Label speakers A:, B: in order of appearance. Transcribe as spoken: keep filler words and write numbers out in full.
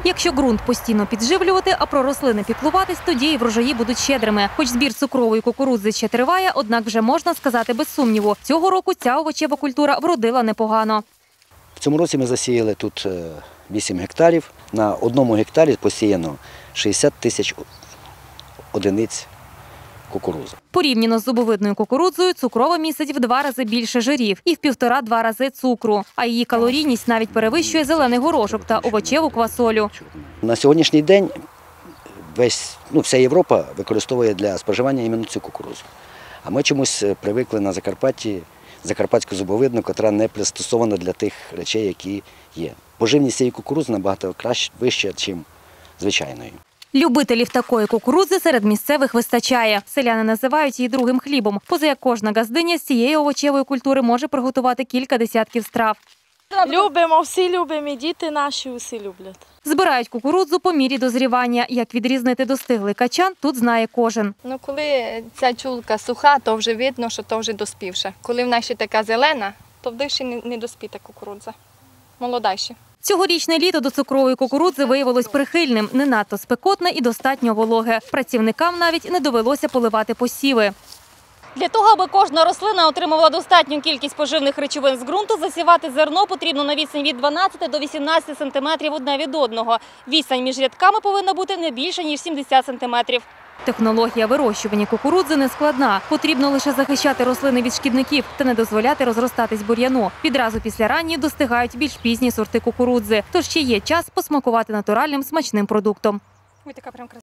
A: Якщо ґрунт постійно підживлювати, а про рослини піклуватись, тоді і врожаї будуть щедрими. Хоч збір цукрової кукурудзи ще триває, однак вже можна сказати без сумніву. Цього року ця овочева культура вродила непогано.
B: В цьому році ми засіяли тут вісім гектарів. На одному гектарі посіяно шістдесят тисяч одиниць кукурудзи.
A: Порівняно з зубовидною кукурудзою, цукрова містить в два рази більше жирів і в півтора-два рази цукру. А її калорійність навіть перевищує зелений горошок та овочеву квасолю.
B: На сьогоднішній день весь, ну, вся Європа використовує для споживання іменно цю кукурудзу. А ми чомусь привикли на Закарпатті закарпатську зубовидну, яка не пристосована для тих речей, які є. Поживність цієї кукурудзи набагато краще, вища, ніж звичайної.
A: Любителів такої кукурудзи серед місцевих вистачає. Селяни називають її другим хлібом, поза як кожна газдиня з цієї овочевої культури може приготувати кілька десятків страв.
C: Любимо, всі любимо, і діти наші усі люблять.
A: Збирають кукурудзу по мірі дозрівання. Як відрізнити достиглий качан, тут знає кожен.
D: Ну, коли ця чулка суха, то вже видно, що то вже доспівша. Коли вона ще така зелена, то в ще не доспіта кукурудза. Молода ще.
A: Цьогорічне літо до цукрової кукурудзи виявилось прихильним, не надто спекотне і достатньо вологе. Працівникам навіть не довелося поливати посіви. Для того, аби кожна рослина отримувала достатню кількість поживних речовин з ґрунту, засівати зерно потрібно на відстань від дванадцяти до вісімнадцяти сантиметрів одне від одного. Відстань між рядками повинна бути не більше, ніж сімдесят сантиметрів. Технологія вирощування кукурудзи не складна. Потрібно лише захищати рослини від шкідників та не дозволяти розростатись бур'яну. Відразу після ранньої достигають більш пізні сорти кукурудзи. Тож ще є час посмакувати натуральним смачним продуктом.